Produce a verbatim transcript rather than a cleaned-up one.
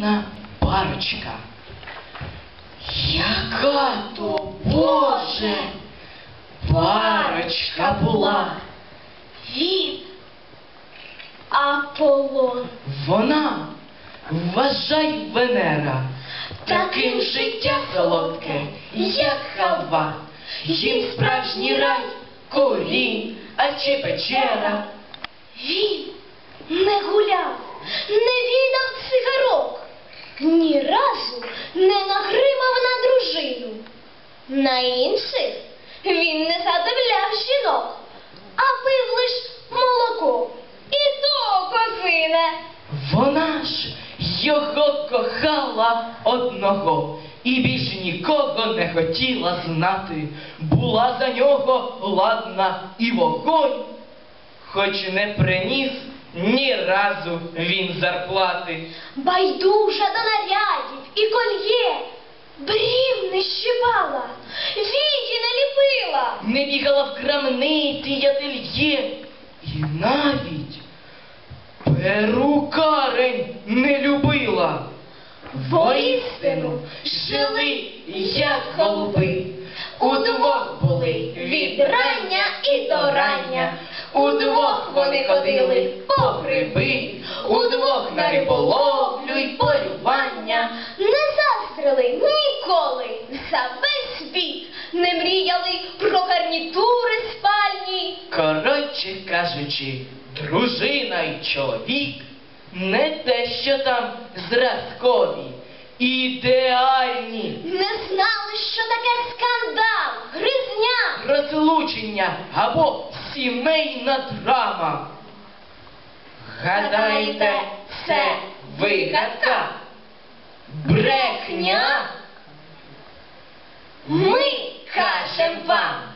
гарна парочка. Яка то, Боже, парочка була. Він Аполлон. Вона, вважай, Венера, таким життя солодке, як халва. Їм справжній рай, корінь, а чи печера. Він не гуляв, не відав цигарок, ні разу не нагримав на дружину. На інших він не задивляв жінок, а пив лиш молоко, і то козине. Вона ж його кохала одного і більш нікого не хотіла знати. Була за нього ладна і вогонь, хоч не приніс ні разу він зарплати. Байдужа до нарядів і кольє, брів не щипала, вії не ліпила. Не бігала в крамниці й ательє, і навіть перукарень не любила. Воістину жили, як голуби, удвох були від рання і до рання, удвох вони ходили по гриби, удвох на риболовлю й полювання. Не заздрили ніколи, за весь світ не мріяли про гарнітури спальні. Коротше кажучи, дружина й чоловік не те, що там зразкові, ідеальні. Не знали, що таке скандал, гризня, Розлучення або сімейна драма. Гадаєте, це вигадка? Брехня? Ми кажем вам.